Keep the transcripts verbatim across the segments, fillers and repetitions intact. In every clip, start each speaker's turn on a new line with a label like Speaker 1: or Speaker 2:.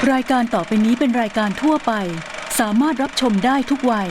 Speaker 1: รายการต่อไปนี้เป็นรายการทั่วไปสามารถรับชมได้ทุกวัย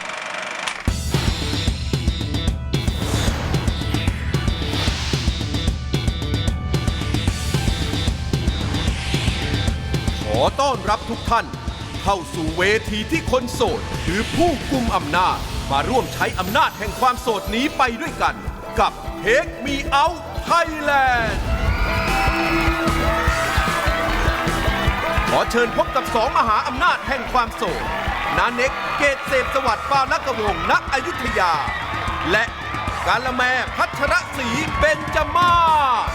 Speaker 2: ขอต้อนรับทุกท่านเข้าสู่เวทีที่คนโสดคือผู้กุมอำนาจมาร่วมใช้อำนาจแห่งความโสดนี้ไปด้วยกันกับ Take Me Out Thailand ขอเชิญพบกับสองมหาอำนาจแห่งความโสดนาเน็กเกตเสพสวัสดิ์ปาลกวงศ์ณอยุธยาและกาละแมพัชรศรีเบญจมาศ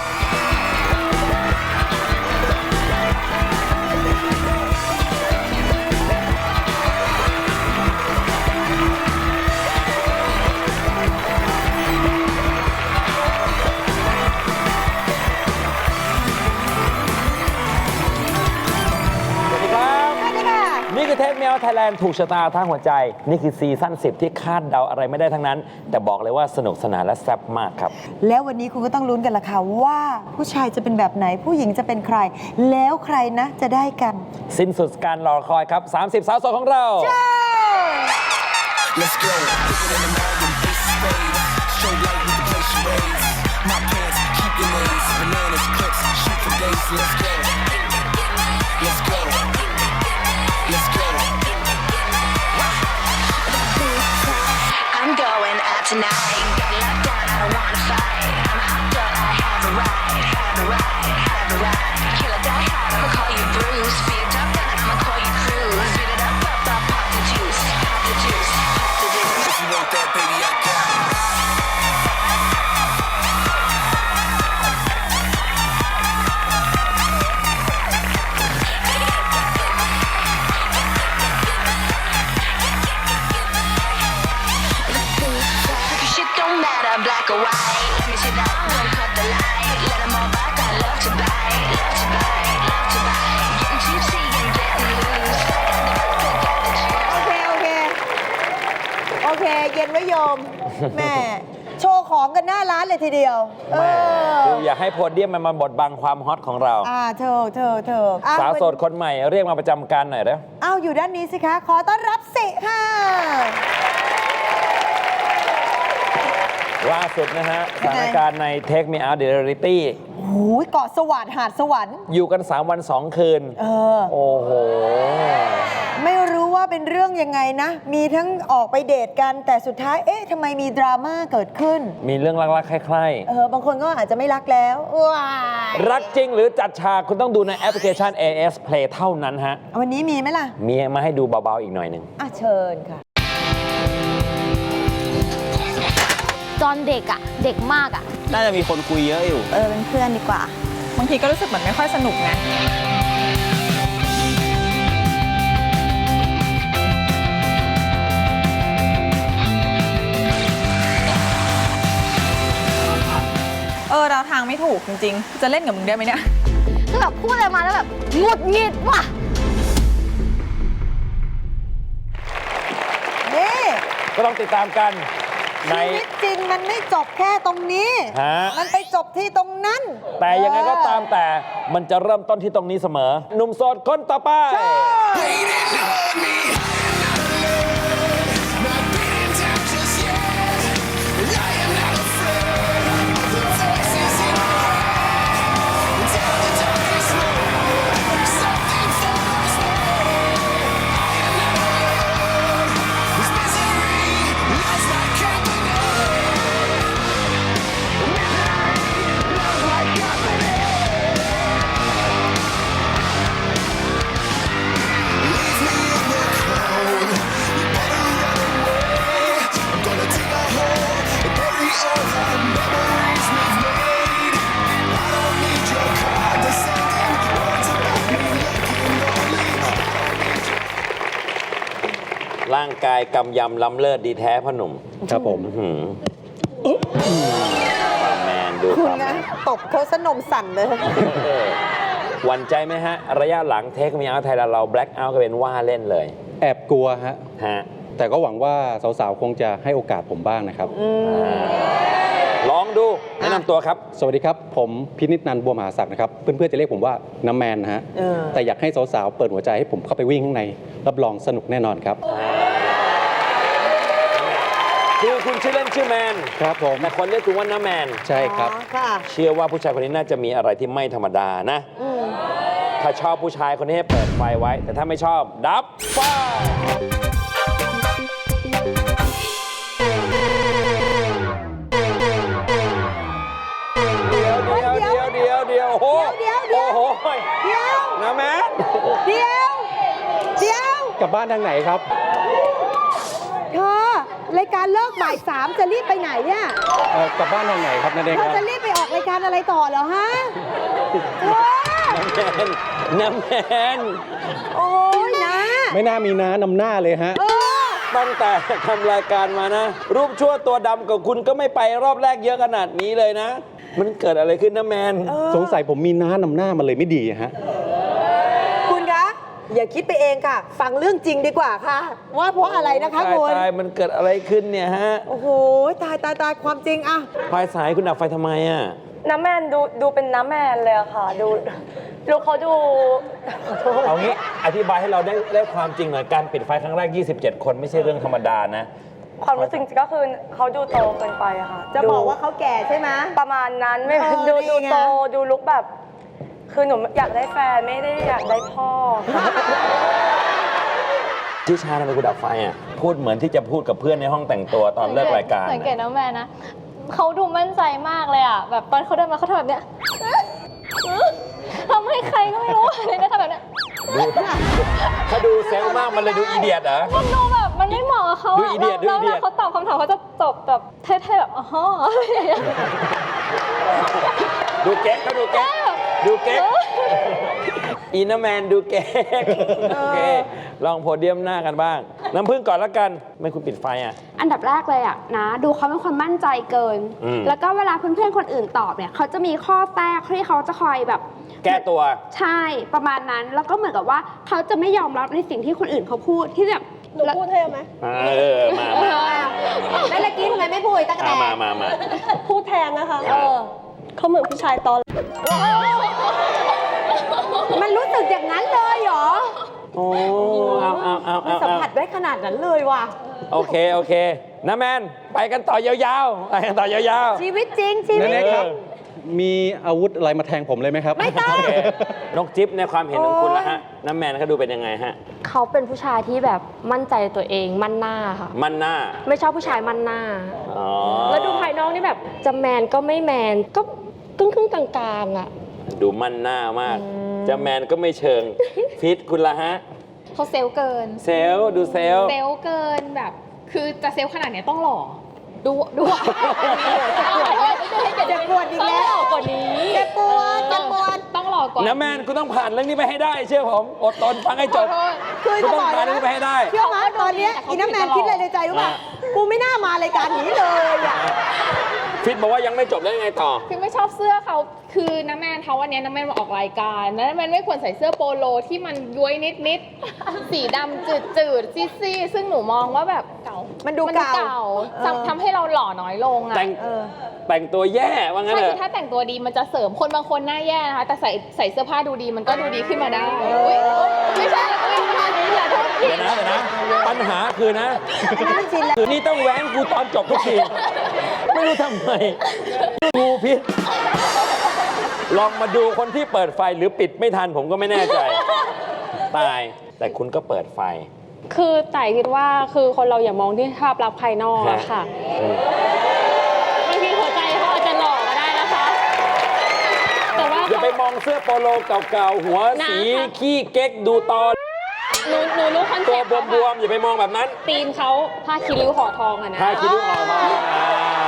Speaker 3: นี่คือเทปเมลไทยแลนด์ถูกชะตาทางหัวใจนี่คือซีซั่นสิบที่คาดเดาอะไรไม่ได้ทั้งนั้นแต่บอกเลยว่าสนุกสนานและแซ่บมากครับ
Speaker 4: แล้ววันนี้คุณก็ต้องลุ้นกันละค่ะว่าผู้ชายจะเป็นแบบไหนผู้หญิงจะเป็นใครแล้วใครนะจะได้กัน
Speaker 3: สิ้นสุดการรอคอยครับสามสิบสาวโสดของเรา
Speaker 5: Let's go. Put it in the morning, face spade. Show light with the play charades. My pants, keep your names. Bananas, clips, shoot for days. Let's go. Let's go. Let's go.
Speaker 6: I'm going out tonight. Got locked down, I don't wanna fight. I'm hopped up, I have a ride, have a ride, have a ride. Kill or die hard, I'ma call you Bruce. Speed it up, then I'ma call you Cruise. Speed it up, up, up, pop the juice, pop the juice, pop the juice.
Speaker 5: If you want that, baby, I got it.
Speaker 6: Shit don't matter, black or white. Let me see that, don't cut the light. Let 'em all back, I love to buy, love to buy, love to buy. Getting juicy and getting loose.
Speaker 4: โอเคโอเคโอเคเย็นไว้โยม แม่โชว์ของกันหน้าร้านเลยทีเดียวเอ
Speaker 3: แม่
Speaker 4: อ
Speaker 3: คืออยากให้โพเดียมมันมาบดบังความฮอตของเรา
Speaker 4: อ่าเธอเธอเธออ้
Speaker 3: สาวโสดคนใหม่เรียกมาประจำการหน่อยเด้อ
Speaker 4: อ้าวอยู่ด้านนี้สิคะขอต้อนรับสิค่ะ
Speaker 3: ล่าสุดนะฮะสถานการณ์ใน Take Me Out Reality
Speaker 4: โอ้ยเกาะสวรรค์หาดสวรรค์
Speaker 3: อยู่กันสามวันสองคืน
Speaker 4: เออ
Speaker 3: โอ้โห
Speaker 4: ไม่รู้ว่าเป็นเรื่องยังไงนะ มีทั้งออกไปเดทกันแต่สุดท้ายเอ๊ะทำไมมีดราม่าเกิดขึ้น
Speaker 3: มีเรื่องรักๆใคร่
Speaker 4: เออบางคนก็อาจจะไม่รักแล้วว้าย
Speaker 3: ๆรักจริงหรือจัดฉากคุณต้องดูในแอปพลิเคชัน เอ เอส Play เท่านั้นฮะ
Speaker 4: วันนี้มีไหมล่ะ
Speaker 3: มีมาให้ดูเบาๆอีกหน่อยหนึ่ง
Speaker 4: อ่ะเชิญค่ะ
Speaker 7: ตอนเด็กอะเด็กมากอะ
Speaker 8: น่าจะมีคนคุยเยอะอยู่
Speaker 7: เออเป็นเพื่อนดีกว่า
Speaker 9: บางทีก็รู้สึกเหมือนไม่ค่อยสนุกนะเออเราทางไม่ถูกจริงๆ จะเล่นกับมึงได้ไหมเนี่ย
Speaker 7: คือแบบพูดอะไรมาแล้วแบบหงุดหงิดว่ะ
Speaker 4: นี่
Speaker 3: ก็ต้องติดตามกันใน
Speaker 4: ชีวิตจริงมันไม่จบแค่ตรงนี้
Speaker 3: ฮะ
Speaker 4: มันไปจบที่ตรงนั้น
Speaker 3: แต่ยังไงก็ตามแต่มันจะเริ่มต้นที่ตรงนี้เสมอ หนุ่มโสดคนต่อไป
Speaker 5: Waiting on me. Not beating down just yet. I am not afraid of the voices in my head. Tell the darkest road something follows me. I am not alone. This misery loves my company. Misery loves my company. Leave me in the cold. You better run away. I'm gonna dig a hole and bury all the memories we've made. I don't need your condescending words about me looking lonely.
Speaker 3: ร่างกายกำยำล้ำเลิศดีแท้พ่อหนุ่ม
Speaker 8: ครับผม
Speaker 3: หืมความแมนดู
Speaker 4: คุ
Speaker 3: ค
Speaker 4: ณ
Speaker 3: วามแม
Speaker 4: นะ
Speaker 3: น
Speaker 4: ตบเขาสนมสั่นเลย
Speaker 3: เออหวั่นใจไหมฮะ ระยะหลังเทคมีเอาไทยเรา Black Out ก็เป็นว่าเล่นเลย
Speaker 8: แอบกลัวฮะ
Speaker 3: ฮะ
Speaker 8: แต่ก็หวังว่าสาวๆ คงจะให้โอกาสผมบ้างนะครับ
Speaker 3: ลองดู
Speaker 4: อ่
Speaker 3: นะนำตัวครับ
Speaker 8: สวัสดีครับ ผมพินิจนันท์บัวมหาศักดิ์นะครับ เพื่อนๆจะเรียกผมว่าน้ำแมนนะฮะ
Speaker 4: เออ
Speaker 8: แต่อยากให้สาวๆเปิดหัวใจให้ผมเข้าไปวิ่งข้างใน รับรองสนุกแน่นอนครับ
Speaker 3: คือคุณชื่อเล่นชื่อแมน
Speaker 8: ครับผม
Speaker 3: แต่คนเรียกคุณว่าน้าแมน
Speaker 8: ใช่ครับ
Speaker 4: อ๋อค่ะ
Speaker 3: เชื่อว่าผู้ชายคนนี้น่าจะมีอะไรที่ไม่ธรรมดานะ
Speaker 4: อืม
Speaker 3: ถ้าชอบผู้ชายคนนี้ให้เปิดไฟไว้ แต่ถ้าไม่ชอบดับไฟเดี๋ยวเดี๋ยวเดี๋ยวเดี๋ยวเดี๋ยวโอ้โห
Speaker 4: เดี๋ยวเดี๋ยว
Speaker 3: โอ้โห
Speaker 4: เดี๋ยว
Speaker 3: นะแมน
Speaker 4: เดี๋ยวเดี๋ยว
Speaker 8: กลับบ้านทางไหนครับ
Speaker 4: เธอรายการเลิกบ่ายสามจะรีบไปไหนเนี่ย
Speaker 8: เอ่อกลับบ้านทางไหนครับนั่นเอง
Speaker 4: เธ
Speaker 8: ค
Speaker 4: อ
Speaker 8: รับ
Speaker 4: จะรีบไปออกรายการอะไรต่อเหรอฮะเธอ
Speaker 3: น้ำแมน
Speaker 4: โอ้ยนะ
Speaker 8: ไม่น่ามีน้านำหน้าเลยฮะ
Speaker 4: เออ
Speaker 3: ตั้งแต่ทำรายการมานะ รูปชั่วตัวดำกับคุณก็ไม่ไปรอบแรกเยอะขนาดนี้เลยนะ มันเกิดอะไรขึ้นนะแมน
Speaker 8: สงสัยผมมีน้านำหน้ามันเลยไม่ดีฮะ
Speaker 4: คุณคะ อย่าคิดไปเองค่ะ ฟังเรื่องจริงดีกว่าค่ะ ว่าเพราะอะไรนะคะ
Speaker 3: ตาย
Speaker 4: คุณ
Speaker 3: ตายมันเกิดอะไรขึ้นเนี่ยฮะ
Speaker 4: โอ้โห ตายตายตายความจริงอะ
Speaker 3: ไฟสายคุณดับไฟทำไมอ่ะ
Speaker 10: น้ำแมนดูดูเป็นน้ำแมนเลยอะค่ะ ดูดูเขาดู
Speaker 3: เอางี้อธิบายให้เราได้ได้ความจริงหน่อย การปิดไฟครั้งแรก ยี่สิบเจ็ด คนไม่ใช่เรื่องธรรมดานะ
Speaker 10: ความรู้สึกก็คือเขาดูโตเกินไปอะค่ะ
Speaker 4: จะ
Speaker 10: ดู
Speaker 4: บอกว่าเขาแก่ใช่ไหม
Speaker 10: ประมาณนั้นไม่
Speaker 4: เออ
Speaker 10: ดู
Speaker 4: นี่
Speaker 10: ดู
Speaker 4: ไง
Speaker 10: โตดูลุกแบบ คือหนูอยากได้แฟนไม่ได้อยากได้พ่อ
Speaker 3: ที่ชาทำไมคุณดับไฟอ่ะ พูดเหมือนที่จะพูดกับเพื่อนในห้องแต่งตัวตอนเลิกรายการ
Speaker 7: สังเกตน้ำแมนนะเขาดูมั่นใจมากเลยอ่ะ แบบตอนเขาเดินมาเขาทำแบบเนี้ยทำให้ใครก็ไม่รู้เลยนะทำแบบเนี้ย
Speaker 3: ดูถ้าดูเซลล์มากมันเลยดูอีเดียดเหรอ
Speaker 7: มันดูแบบมันไม่เหมาะกับเขา
Speaker 3: ดู
Speaker 7: อะ
Speaker 3: อีเดียดดู
Speaker 7: แล้ว
Speaker 3: อีเดี
Speaker 7: เวย
Speaker 3: ด
Speaker 7: ลาเขาตอบคำถามเขาจะตอบแบบเท่ๆแบบอ๋ออะไรอย่างเงี้ย
Speaker 3: ดูเก๊กเขาดูเก๊กดูเก๊กอีน้าแมนดูเก๊กโอเคลองโพเดียมหน้ากันบ้าง น้ำพึ่งก่อนละกันไม่คุณปิดไฟอ่ะ
Speaker 11: อันดับแรกเลยอะนะ ดูเขาเป็นคนมั่นใจเกิน
Speaker 3: อืม
Speaker 11: แล้วก็เวลาเพื่อนๆคนอื่นตอบเนี่ยเขาจะมีข้อแทรกที่เขาจะคอยแบบ
Speaker 3: แก้ตัว
Speaker 11: ใช่ประมาณนั้น แล้วก็เหมือนกับว่าเขาจะไม่ยอมรับในสิ่งที่คนอื่นเขาพูดที่แบบ
Speaker 4: หนูพูดให้ไหม
Speaker 3: เออมามา
Speaker 4: แล้วเมื่อกี้ทำไมไม่พูดตะกแต
Speaker 3: อ่ะมามามา
Speaker 10: พูดแทนนะคะ
Speaker 4: เออ
Speaker 10: เขาเหมือนผู้ชายตอน
Speaker 4: มันรู้สึกอย่างนั้นเลยเหรอ
Speaker 3: โอ้เอาเอาเอา
Speaker 4: มัน
Speaker 3: เอา
Speaker 4: สัม
Speaker 3: เอา
Speaker 4: ผัสได้ขนาดนั้นเลยว่ะ
Speaker 3: โอเคโอเคน้าแมนไปกันต่อยาวๆไปกันต่อยาวๆ
Speaker 4: ชีวิตจริงชีวิต
Speaker 8: นั่นเอง
Speaker 4: จ
Speaker 8: ค
Speaker 4: ริ
Speaker 8: รั
Speaker 4: ง
Speaker 8: บ มีอาวุธอะไรมาแทงผมเลยไหมครับ
Speaker 4: ไม่ต้อง
Speaker 3: โอเคนกจิ๊บในความเห็นของคุณละฮะน้าแมนเขาดูเป็นยังไงฮะ
Speaker 11: เขาเป็นผู้ชายที่แบบมั่นใจในตัวเองมั่นหน้าค่ะ
Speaker 3: มันหน้า
Speaker 11: ไม่ชอบผู้ชายมั่นหน้า
Speaker 3: อ๋อ
Speaker 11: แล้วดูภายนอกนี่แบบจะแมนก็ไม่แมนก็ครึ่งครึ่งๆกลางๆอะ
Speaker 3: ดูมันหน้ามาก จะแมนก็ไม่เชิง ฟิตคุณละฮะ
Speaker 7: เขาเซลล์เกิน
Speaker 3: เซลลดูเซลล
Speaker 7: เซลล์เกินแบบ คือจะเซลล์ขนาดเนี้ยต้องหล่อ ดูดูอ่ะ
Speaker 4: เจ็บปวดอีกแล้ว
Speaker 7: ต้องหล่อกว่านี้
Speaker 4: เจ็บปวดเจ็บปวด
Speaker 7: ต้องหล่อกว่า
Speaker 3: น้าแมนคุณต้องผ่านเรื่องนี้ไปให้ได้ เชื่อผม อดทนฟังให้จบ
Speaker 4: คือ
Speaker 3: คุณ
Speaker 4: จะ
Speaker 3: ต้อบ ง
Speaker 4: อก
Speaker 3: ผ่าน
Speaker 4: นะ
Speaker 3: เรื่องนี้ไปให้ได้
Speaker 4: เชื่อไหมตอนเนี้ยอีน้ำแมนคิดอะไรในใจรู้ป่ะ กูไม่น่ามารายการนี้เลยอ่ะ
Speaker 3: ฟิตบอกว่ายังไม่จบแล้วยังไงต่อ
Speaker 7: คือไม่ชอบเสื้อเขาคือน้าแมนเขาวันนี้น้าแมนมาออกรายการน้าแมนไม่ควรใส่เสื้อโปโลที่มันย้วยนิดนิดๆ สีดำจืดจืดซีซีๆซึ่งหนูมองว่าแบบเก่า
Speaker 4: มันดูเก่า
Speaker 7: เก่า
Speaker 4: เออ
Speaker 7: ทำทำให้เราหล่อน้อยลงอ่ะ
Speaker 3: แต่ง
Speaker 4: เออ
Speaker 3: แต่งตัวแย่ว่างั้น
Speaker 7: ใช่
Speaker 3: เหร
Speaker 7: คือ
Speaker 3: อ
Speaker 7: ถ้าแต่งตัวดีมันจะเสริมคนบางคนหน้าแย่นะคะแต่ใส่ใส่เสื้อผ้าดูดีมันก็ดูดีขึ้นมาได้อุ๊ยอุ๊ยไม่ใช่อุ๊ยอย่าโทษผิ
Speaker 3: เดี๋ย
Speaker 7: ด
Speaker 3: วนะเดี๋ยวนะ ปัญหาคือนะ
Speaker 4: อันนี้มันชินแล้ว
Speaker 3: คือนี่ต้องแว้งกูตอนจบทุกที ไม่รู้ทำไมกูพิษลองมาดูคนที่เปิดไฟหรือปิดไม่ทันผมก็ไม่แน่ใจ ตาย แต่คุณก็เปิดไฟ
Speaker 11: คือแต่คิดว่าคือคนเราอย่ามองที่ภาพลักษณ์ภายนอกอะค่ะ
Speaker 3: อืม
Speaker 11: บางทีหัวใจเขาอาจจะหล่อก็ได้นะคะ แต่ว่า
Speaker 3: อย่าไปมองเสื้อโปโลเก่าๆ หัวสี
Speaker 11: นะคะ
Speaker 3: ขี้เก๊กดูตอน
Speaker 11: หนูหนูรู้คอน
Speaker 3: ตั
Speaker 11: เซ็
Speaker 3: ว
Speaker 11: ปต์
Speaker 3: บวมๆ อย่าไปมองแบบนั้น
Speaker 11: ตีนเขาผ้าคีริ้วห่อทองอะนะ
Speaker 3: ทาคิ้วออกมาอ่า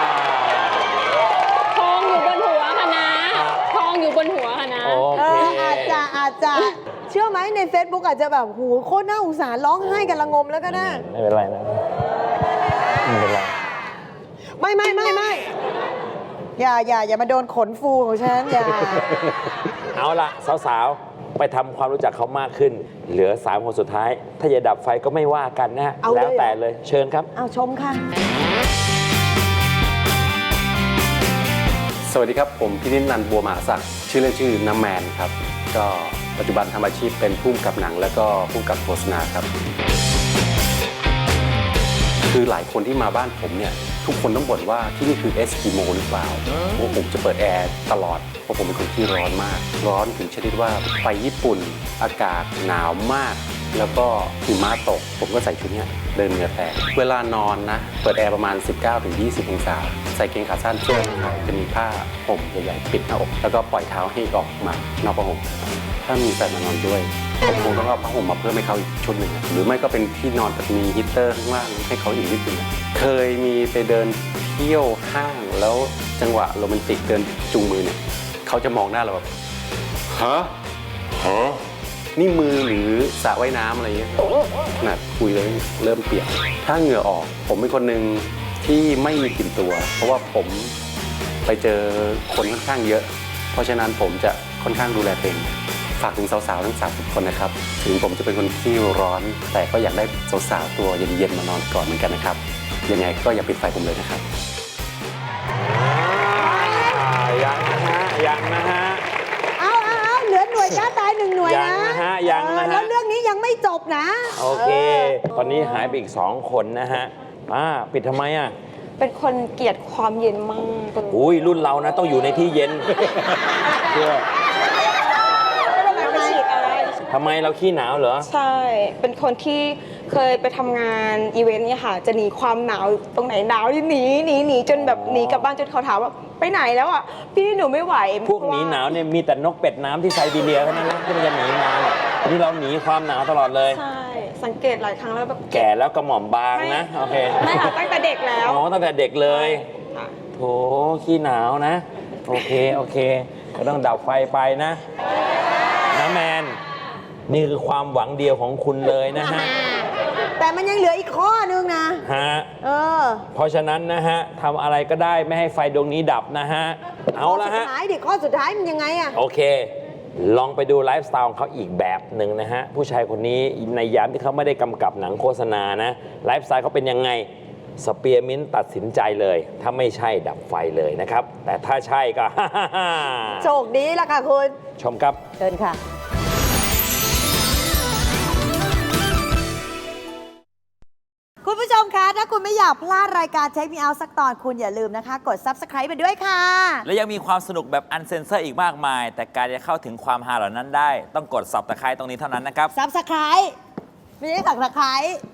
Speaker 11: ทองอยู่บนหัวค่ะนะ ทองอยู่บนหัวค่ะนะ
Speaker 3: โอ
Speaker 4: เอ
Speaker 3: เค
Speaker 4: ออาจจะอาจจะเชื่อไหมใน Facebook อาจจะแบบหูโคตรน่าสงสารร้องไห้กันละงมแล้วก็ได้
Speaker 3: ไม่เป็นไรนะไม่เป็นไร
Speaker 4: ไม่ไม่ไม่ไม่อย่าอย่าอย่ามาโดนขนฟูของฉันอย่า
Speaker 3: เอาละสาวๆ ไปทำความรู้จักเขามากขึ้น เหลือสามคนสุดท้าย ถ้าจะดับไฟก็ไม่ว่ากันนะฮะ
Speaker 4: เอาเลย
Speaker 3: แล้วแต่เลย เชิญครับ
Speaker 4: เอาชมค่ะ
Speaker 5: ส
Speaker 8: สวัสดีครับผมพินิจนันท์บัวมหาศักดิ์ชื่อเล่นชื่อน้ำแมนครับก็ปัจจุบันทำอาชีพเป็นผู้กำกับหนังแล้วก็ผู้กำกับโฆษณาครับคือหลายคนที่มาบ้านผมเนี่ยทุกคนต้องบ่นว่าที่นี่คือเอสกิโมหรือเปล่าเพราะผมจะเปิดแอร์ตลอดเพราะผมเป็นคนที่ร้อนมากร้อนถึงชนิดว่าไปญี่ปุ่นอากาศหนาวมากแล้วก็หิมะตกผมก็ใส่ชุดนี้เดินเหงื่อแตกเวลานอนนะเปิดแอร์ประมาณ สิบเก้าถึงยี่สิบ องศาใส่เกงขาสั้นเสื้อจะมีผ้าห่มใหญ่ๆปิดหน้าอกแล้วก็ปล่อยเท้าให้ออกมานอกผ้าห่มถ้ามีแฟนมานอนด้วยผมคงต้องเอาผ้าห่มมาเพิ่มให้เขาอีกชุดหนึ่งหรือไม่ก็เป็นที่นอนแบบมีฮีตเตอร์ข้างล่างให้เขาอีกนิดนึงเคยมีไปเดินเที่ยวห้างแล้วจังหวะโรแมนติกเดินจูงมือเนี่ยเขาจะมองหน้าเราแบบฮะฮะนี่มือหรือสระว่ายน้ำอะไรเงี้ยขนาดคุยเลยเริ่มเปียกถ้าเหงื่อออกผมเป็นคนหนึ่งที่ไม่มีกลิ่นตัวเพราะว่าผมไปเจอคนค่อนข้างเยอะเพราะฉะนั้นผมจะค่อนข้างดูแลตัวเองฝากถึงสาวๆทั้งสามสิบคนนะครับถึงผมจะเป็นคนที่ร้อนแต่ก็อยากได้สาวๆตัวเย็นๆมานอนก่อนเหมือนกันนะครับยังไงก็อย่าปิดไฟผมเลยนะครับ
Speaker 3: ยังนะฮะยังนะฮะ
Speaker 4: เอาเอาเอาเหลือหน่วยกล้าตายหนึ่งหน่วย
Speaker 3: ยัง
Speaker 4: นะ
Speaker 3: นะฮะยังนะฮะ
Speaker 4: เออแล้วเรื่องนี้ยังไม่จบนะ
Speaker 3: โอเคตอนนี้หายไปอีกสองคนนะฮะอ่าปิดทำไมอ่ะ
Speaker 10: เป็นคนเกลียดความเย็นมาก
Speaker 3: อุ้ยรุ่นเรานะต้องอยู่ในที่เย็นเพื่อ
Speaker 10: ไม่ฉีดอะไร
Speaker 3: ทำไมเราขี้หนาวเหรอ
Speaker 10: ใช่ เป็นคนที่เคยไปทำงานอีเวนต์เนี่ยค่ะ จะหนีความหนาวตรงไหนหนาวหนีหนีหนีจนแบบหนีกลับบ้านจนเขาถามว่าไปไหนแล้วอ่ะ พี่หนูไม่ไหว
Speaker 3: พวกหนีหนาวเนี่ยมีแต่นกเป็ดน้ำที่ไซบีเรียเท่านั้นนะที่มันจะหนีมาเนี่ยนี่เราหนีความหนาวตลอดเลย
Speaker 10: ใช่ สังเกตหลายครั้งแล้วแบบ
Speaker 3: แก่แล้วกระหม่อมบางนะโอเค
Speaker 10: ไม่ค่ะตั้งแต่เด็กแล้ว
Speaker 3: อ๋อตั้งแต่เด็กเลย
Speaker 10: ค่ะ
Speaker 3: โถขี้หนาวนะโอเคโอเคก็ต้องดับไฟไปนะนะแมนนี่คือความหวังเดียวของคุณเลยนะฮะ
Speaker 4: แต่มันยังเหลืออีกข้อนึงนะ
Speaker 3: ฮะ
Speaker 4: เออ
Speaker 3: เพราะฉะนั้นนะฮะทำอะไรก็ได้ไม่ให้ไฟดวงนี้ดับนะฮะเอาละ
Speaker 4: ข้อสุ
Speaker 3: ฮะ
Speaker 4: ดท้ายดิข้อสุดท้ายมันยังไงอะ
Speaker 3: โอเค ลองไปดูไลฟ์สไตล์ของเขาอีกแบบหนึ่งนะฮะ ผู้ชายคนนี้ในยามที่เขาไม่ได้กำกับหนังโฆษณานะไลฟ์สไตล์เขาเป็นยังไงสเปียร์มินต์ตัดสินใจเลย ถ้าไม่ใช่ดับไฟเลยนะครับ แต่ถ้าใช่ก็
Speaker 4: โชคดีละค่ะคุณ
Speaker 3: ชมครับ
Speaker 4: เชิญค่ะ คุณผู้ชมคะ ถ้าคุณไม่อยากพลาดรายการเช็คมีเอาสักตอนคุณอย่าลืมนะคะ กด ซับสไครบ์ ไปด้วยค่ะ
Speaker 12: และยังมีความสนุกแบบอันเซนเซอร์อีกมากมาย แต่การจะเข้าถึงความฮาเหล่านั้นได้ ต้องกด ซับสไครบ์ ตรงนี้เท่านั้นนะครับ
Speaker 4: ซับสไครบ์ ไม่ใช่สักตะไคร้